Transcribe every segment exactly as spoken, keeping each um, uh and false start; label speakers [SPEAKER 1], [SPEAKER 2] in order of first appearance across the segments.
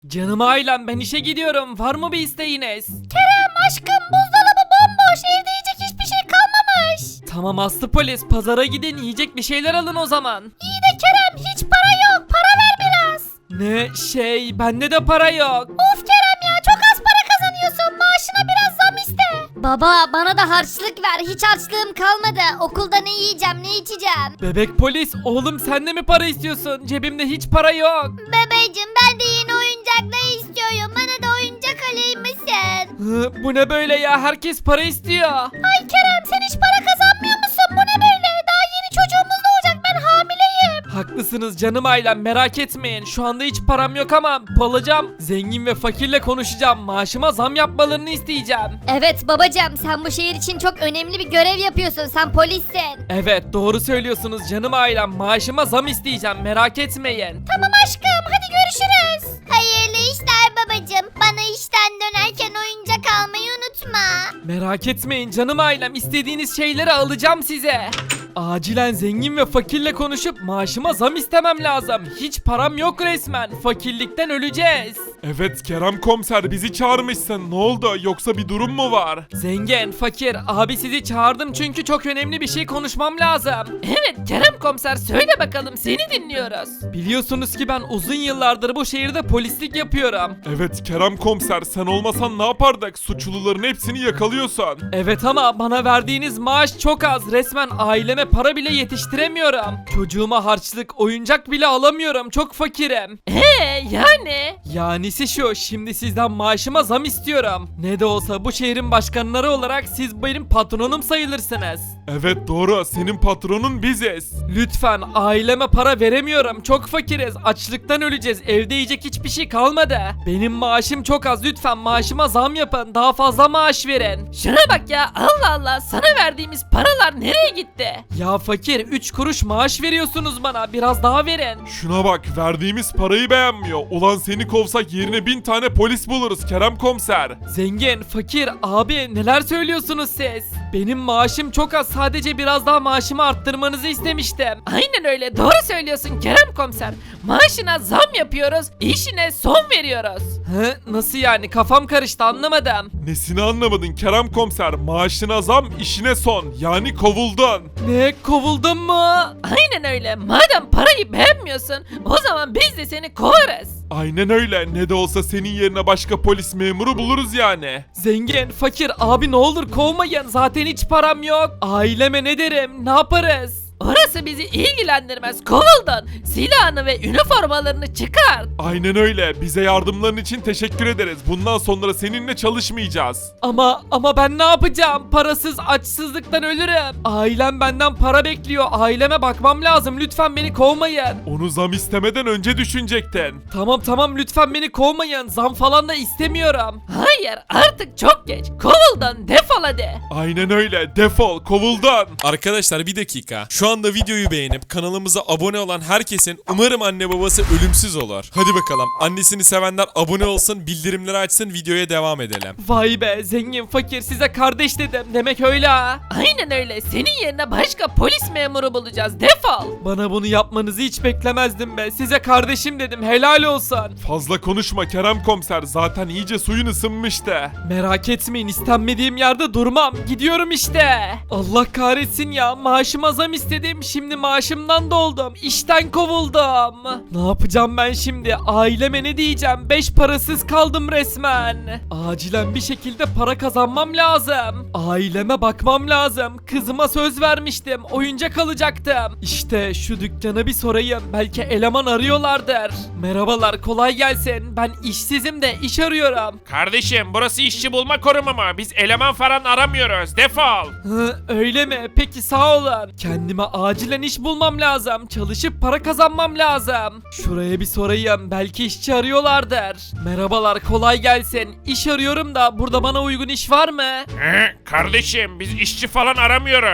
[SPEAKER 1] Canım ailem, ben işe gidiyorum. Var mı bir isteğiniz?
[SPEAKER 2] Kerem aşkım, buzdolabı bomboş, evde yiyecek hiçbir şey kalmamış.
[SPEAKER 1] Tamam Aslı polis, pazara gidin, yiyecek bir şeyler alın o zaman.
[SPEAKER 2] İyi de Kerem, hiç para yok, para ver biraz.
[SPEAKER 1] Ne şey, bende de para yok.
[SPEAKER 2] Of Kerem ya, çok az para kazanıyorsun, maaşına biraz zam iste. Baba, bana da harçlık ver, hiç harçlığım kalmadı. Okulda ne yiyeceğim, ne içeceğim.
[SPEAKER 1] Bebek polis, oğlum sen de mi para istiyorsun? Cebimde hiç para yok.
[SPEAKER 2] Bebeğim, ben de yeni oyuncaklar istiyorum, bana da oyuncak alayım mısın?
[SPEAKER 1] Hı, bu ne böyle ya? Herkes para istiyor.
[SPEAKER 2] Ay Kerem, sen hiç para kazanmıyor musun? Bu ne böyle? Daha yeni çocuğumuz doğacak, ben hamileyim.
[SPEAKER 1] Haklısınız canım ailem, merak etmeyin. Şu anda hiç param yok ama bulacağım. Zengin ve fakirle konuşacağım. Maaşıma zam yapmalarını isteyeceğim.
[SPEAKER 2] Evet babacığım, sen bu şehir için çok önemli bir görev yapıyorsun, sen polissin.
[SPEAKER 1] Evet, doğru söylüyorsunuz canım ailem. Maaşıma zam isteyeceğim, merak etmeyin.
[SPEAKER 2] Tamam aşkım, hadi görüşürüz. Hayırlı işler babacığım. Bana işten dönerken oyuncak almayı unutma.
[SPEAKER 1] Merak etmeyin canım ailem, istediğiniz şeyleri alacağım size. Acilen zengin ve fakirle konuşup maaşıma zam istemem lazım. Hiç param yok resmen. Fakirlikten öleceğiz.
[SPEAKER 3] Evet Kerem komiser, bizi çağırmışsın. Ne oldu, yoksa bir durum mu var?
[SPEAKER 1] Zengin, fakir, abi sizi çağırdım çünkü çok önemli bir şey konuşmam lazım. Evet Kerem komiser, söyle bakalım, seni dinliyoruz. Biliyorsunuz ki ben uzun yıllardır bu şehirde polislik yapıyorum.
[SPEAKER 3] Evet Kerem komiser, sen olmasan ne yapardık? Suçluların hepsini yakalıyorsun.
[SPEAKER 1] Evet ama bana verdiğiniz maaş çok az. Resmen aileme para bile yetiştiremiyorum. Çocuğuma harçlık, oyuncak bile alamıyorum. Çok fakirim. Eee yani? Yanisi şu, şimdi sizden maaşıma zam istiyorum. Ne de olsa bu şehrin başkanları olarak siz benim patronum sayılırsınız.
[SPEAKER 3] Evet doğru, senin patronun biziz.
[SPEAKER 1] Lütfen, aileme para veremiyorum. Çok fakiriz. Açlıktan öleceğiz. Evde yiyecek hiçbir şey kalmadı. Benim maaşım çok az. Lütfen maaşıma zam yapın. Daha fazla maaş verin. Şuna bak ya. Allah Allah. Sana verdiğimiz paralar nereye gitti? Ya fakir, üç kuruş maaş veriyorsunuz bana. Biraz daha verin.
[SPEAKER 3] Şuna bak, verdiğimiz parayı beğenmiyor. Ulan seni kovsak yerine bin tane polis buluruz Kerem komiser.
[SPEAKER 1] Zengin, fakir, abi neler söylüyorsunuz siz? Benim maaşım çok az. Sadece biraz daha maaşımı arttırmanızı istemiştim. Aynen öyle. Doğru söylüyorsun Kerem komiser. Maaşına zam yapıyoruz. İşine son veriyoruz. Hı? Nasıl yani? Kafam karıştı, anlamadım.
[SPEAKER 3] Nesini anlamadın Kerem komiser? Maaşına zam, işine son. Yani kovuldun.
[SPEAKER 1] Ne? Kovuldun mu? Aynen öyle. Madem parayı beğenmiyorsun, o zaman biz de seni kovarız.
[SPEAKER 3] Aynen öyle. Ne de olsa senin yerine başka polis memuru buluruz yani.
[SPEAKER 1] Zengin, fakir, abi ne olur kovmayın. Zaten hiç param yok. Aileme ne derim? Ne yaparız? Orası bizi ilgilendirmez. Kovuldun. Silahını ve üniformalarını çıkar.
[SPEAKER 3] Aynen öyle. Bize yardımların için teşekkür ederiz. Bundan sonra seninle çalışmayacağız.
[SPEAKER 1] Ama ama ben ne yapacağım? Parasız, açsızlıktan ölürüm. Ailem benden para bekliyor. Aileme bakmam lazım. Lütfen beni kovmayın.
[SPEAKER 3] Onu zam istemeden önce düşünecektin.
[SPEAKER 1] Tamam tamam, lütfen beni kovmayın. Zam falan da istemiyorum. Hayır, artık çok geç. Kovuldun. Defol hadi.
[SPEAKER 3] Aynen öyle. Defol. Kovuldun.
[SPEAKER 4] Arkadaşlar bir dakika. Şu anda videoyu beğenip kanalımıza abone olan herkesin umarım anne babası ölümsüz olur. Hadi bakalım. Annesini sevenler abone olsun, bildirimleri açsın, videoya devam edelim.
[SPEAKER 1] Vay be, zengin fakir, size kardeş dedim. Demek öyle ha. Aynen öyle. Senin yerine başka polis memuru bulacağız. Defol. Bana bunu yapmanızı hiç beklemezdim be. Size kardeşim dedim. Helal olsun.
[SPEAKER 3] Fazla konuşma Kerem komiser. Zaten iyice suyun ısınmıştı.
[SPEAKER 1] Merak etmeyin, istenmediğim yerde durmam. Gidiyorum işte. Allah kahretsin ya. Maaşıma zam istedim. Şimdi maaşımdan doldum. İşten kovuldum. Ne yapacağım ben şimdi? Aileme ne diyeceğim? Beş parasız kaldım resmen. Acilen bir şekilde para kazanmam lazım. Aileme bakmam lazım. Kızıma söz vermiştim. Oyuncak alacaktım. İşte şu dükkana bir sorayım. Belki eleman arıyorlardır. Merhabalar, kolay gelsin. Ben işsizim de iş arıyorum.
[SPEAKER 5] Kardeşim, burası işçi bulma kurumu mu? Biz eleman falan aramıyoruz. Defol.
[SPEAKER 1] Hı, öyle mi? Peki sağ olun. Kendime acilen iş bulmam lazım. Çalışıp para kazanmam lazım. Şuraya bir sorayım. Belki işçi arıyorlardır. Merhabalar, kolay gelsin. İş arıyorum da burada bana uygun iş var mı?
[SPEAKER 5] He, kardeşim, biz işçi falan aramıyoruz.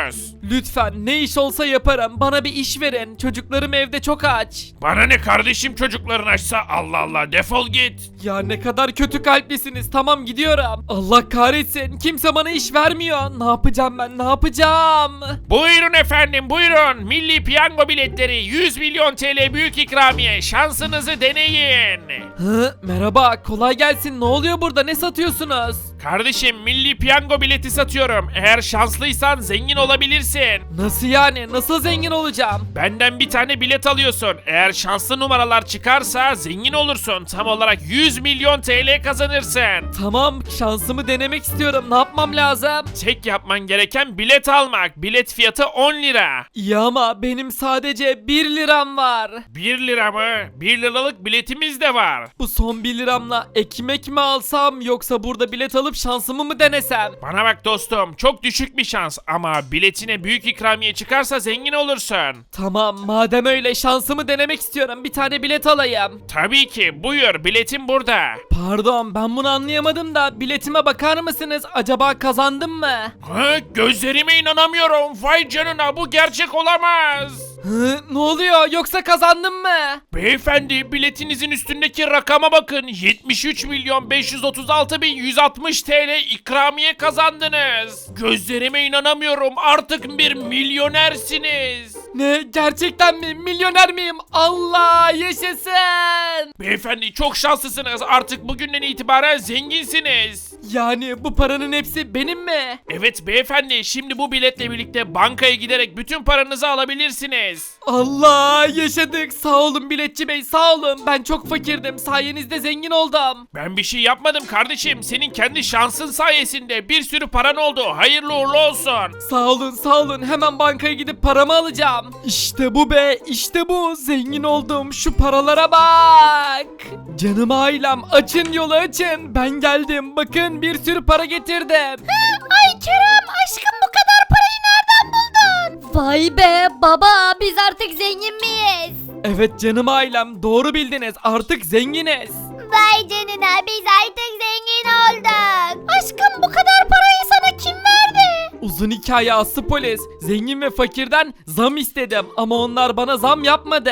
[SPEAKER 1] Lütfen ne iş olsa yaparım. Bana bir iş verin. Çocuklarım evde çok aç.
[SPEAKER 5] Bana ne kardeşim çocukların açsa, Allah Allah, defol git.
[SPEAKER 1] Ya ne kadar kötü kalplisiniz. Tamam gidiyorum. Allah kahretsin. Kimse bana iş vermiyor. Ne yapacağım ben? Ne yapacağım?
[SPEAKER 5] Buyurun efendim, buyurun. Milli Piyango biletleri, yüz milyon T L büyük ikramiye, şansınızı deneyin.
[SPEAKER 1] Hı, merhaba. Kolay gelsin. Ne oluyor burada? Ne satıyorsunuz?
[SPEAKER 5] Kardeşim, Milli Piyango bileti satıyorum. Eğer şanslıysan zengin olabilirsin.
[SPEAKER 1] Nasıl yani? Nasıl zengin olacağım?
[SPEAKER 5] Benden bir tane bilet alıyorsun. Eğer şanslı numaralar çıkarsa zengin olursun. Tam olarak yüz milyon T L kazanırsın.
[SPEAKER 1] Tamam, şansımı denemek istiyorum. Ne yapmam lazım?
[SPEAKER 5] Tek yapman gereken bilet almak. Bilet fiyatı on lira.
[SPEAKER 1] İyi ama benim sadece bir liram var.
[SPEAKER 5] bir lira mı? bir liralık biletimiz de var.
[SPEAKER 1] Bu son bir liramla ekmek mi alsam yoksa burada bilet alıp şansımı mı denesem?
[SPEAKER 5] Bana bak dostum, çok düşük bir şans ama biletine büyük ikramiye çıkarsa zengin olursun.
[SPEAKER 1] Tamam, madem öyle şansımı denemek istiyorum. Bir tane bilet alayım.
[SPEAKER 5] Tabii ki, buyur, biletin burada.
[SPEAKER 1] Pardon, ben bunu anlayamadım da biletime bakar mısınız? Acaba kazandım mı?
[SPEAKER 5] Ha, gözlerime inanamıyorum. Vay canına, bu gerçek olamaz.
[SPEAKER 1] Hı, ne oluyor? Yoksa kazandım mı?
[SPEAKER 5] Beyefendi, biletinizin üstündeki rakama bakın. yetmiş üç milyon beş yüz otuz altı bin yüz altmış T L ikramiye kazandınız. Gözlerime inanamıyorum. Artık bir milyonersiniz.
[SPEAKER 1] Ne? Gerçekten mi? Milyoner miyim? Allah yaşasın!
[SPEAKER 5] Beyefendi, çok şanslısınız. Artık bugünden itibaren zenginsiniz.
[SPEAKER 1] Yani bu paranın hepsi benim mi?
[SPEAKER 5] Evet beyefendi, şimdi bu biletle birlikte bankaya giderek bütün paranızı alabilirsiniz.
[SPEAKER 1] Allah yaşadık. Sağ olun biletçi bey, sağ olun. Ben çok fakirdim. Sayenizde zengin oldum.
[SPEAKER 5] Ben bir şey yapmadım kardeşim. Senin kendi şansın sayesinde bir sürü paran oldu. Hayırlı uğurlu olsun.
[SPEAKER 1] Sağ olun, sağ olun. Hemen bankaya gidip paramı alacağım. İşte bu be, işte bu. Zengin oldum. Şu paralara bak. Canım ailem, açın yolu açın. Ben geldim. Bakın bir sürü para getirdim.
[SPEAKER 2] Ay Kerem aşkım bu kadar parayı nereden buldun? Vay be baba biz artık zengin miyiz?
[SPEAKER 1] Evet canım ailem, doğru bildiniz. Artık zenginiz.
[SPEAKER 2] Vay canına biz artık zengin olduk. Aşkım bu kadar parayı sana kim verdi?
[SPEAKER 1] Uzun hikaye Aslı polis. Zengin ve fakirden zam istedim ama onlar bana zam yapmadı.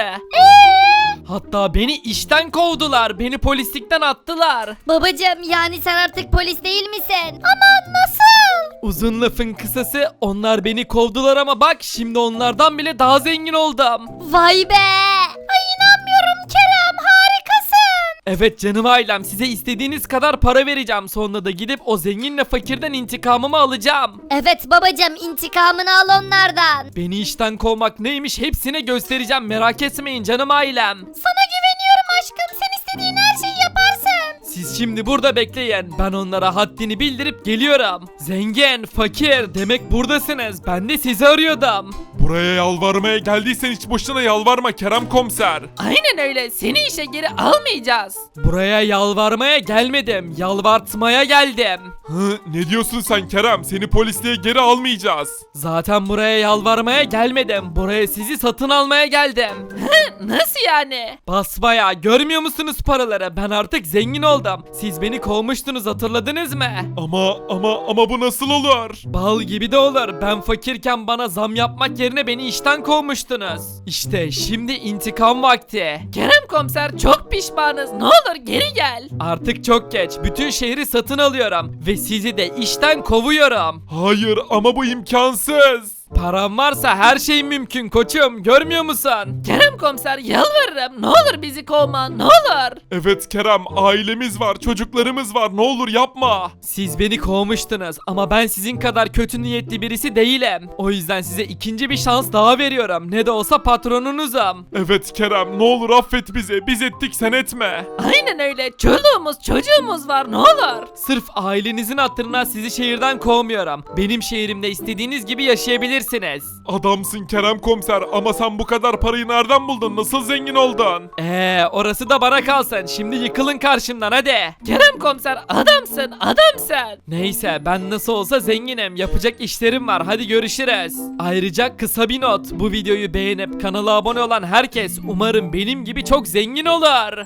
[SPEAKER 1] Hatta beni işten kovdular. Beni polislikten attılar.
[SPEAKER 2] Babacım yani sen artık polis değil misin? Ama nasıl?
[SPEAKER 1] Uzun lafın kısası, onlar beni kovdular ama bak şimdi onlardan bile daha zengin oldum.
[SPEAKER 2] Vay be. Ay inanmıyorum Kerem harikasın.
[SPEAKER 1] Evet canım ailem, size istediğiniz kadar para vereceğim. Sonra da gidip o zenginle fakirden intikamımı alacağım.
[SPEAKER 2] Evet babacım intikamını al onlardan.
[SPEAKER 1] Beni işten kovmak neymiş hepsine göstereceğim, merak etmeyin canım ailem.
[SPEAKER 2] Sana güveniyorum aşkım sen istediğin her şeyi yaparsın.
[SPEAKER 1] Siz şimdi burada bekleyin, ben onlara haddini bildirip geliyorum. Zengin, fakir, demek buradasınız. Ben de sizi arıyordum.
[SPEAKER 3] Buraya yalvarmaya geldiysen hiç boşuna yalvarma Kerem komiser.
[SPEAKER 1] Aynen öyle, seni işe geri almayacağız. Buraya yalvarmaya gelmedim, yalvartmaya geldim.
[SPEAKER 3] Hı, ne diyorsun sen Kerem? Seni polisliğe geri almayacağız.
[SPEAKER 1] Zaten buraya yalvarmaya gelmedim, buraya sizi satın almaya geldim. Nasıl yani? Basbayağı, görmüyor musunuz paraları? Ben artık zengin oldum. Siz beni kovmuştunuz, hatırladınız mı?
[SPEAKER 3] Ama ama ama bu nasıl olur?
[SPEAKER 1] Bal gibi de olur. Ben fakirken bana zam yapmak yerine beni işten kovmuştunuz. İşte şimdi intikam vakti. Kerem komiser, çok pişmanız. Ne olur geri gel. Artık çok geç. Bütün şehri satın alıyorum. Ve sizi de işten kovuyorum.
[SPEAKER 3] Hayır ama bu imkansız.
[SPEAKER 1] Param varsa her şey mümkün koçum, görmüyor musun? Kerem komiser, yalvarırım, ne olur bizi kovma, ne olur.
[SPEAKER 3] Evet Kerem, ailemiz var, çocuklarımız var, ne olur yapma.
[SPEAKER 1] Siz beni kovmuştunuz ama ben sizin kadar kötü niyetli birisi değilim. O yüzden size ikinci bir şans daha veriyorum. Ne de olsa patronunuzum.
[SPEAKER 3] Evet Kerem, ne olur affet bizi, biz ettik sen etme.
[SPEAKER 1] Aynen öyle, çoluğumuz çocuğumuz var, ne olur. Sırf ailenizin hatırına sizi şehirden kovmuyorum. Benim şehrimde istediğiniz gibi yaşayabilirsiniz.
[SPEAKER 3] Adamsın Kerem komiser ama sen bu kadar parayı nereden buldun, nasıl zengin oldun?
[SPEAKER 1] Eee orası da bana kalsın. Şimdi yıkılın karşımdan hadi. Kerem komiser, adamsın adamsın. Neyse, ben nasıl olsa zenginim. Yapacak işlerim var, hadi görüşürüz. Ayrıca kısa bir not. Bu videoyu beğenip kanala abone olan herkes umarım benim gibi çok zengin olur.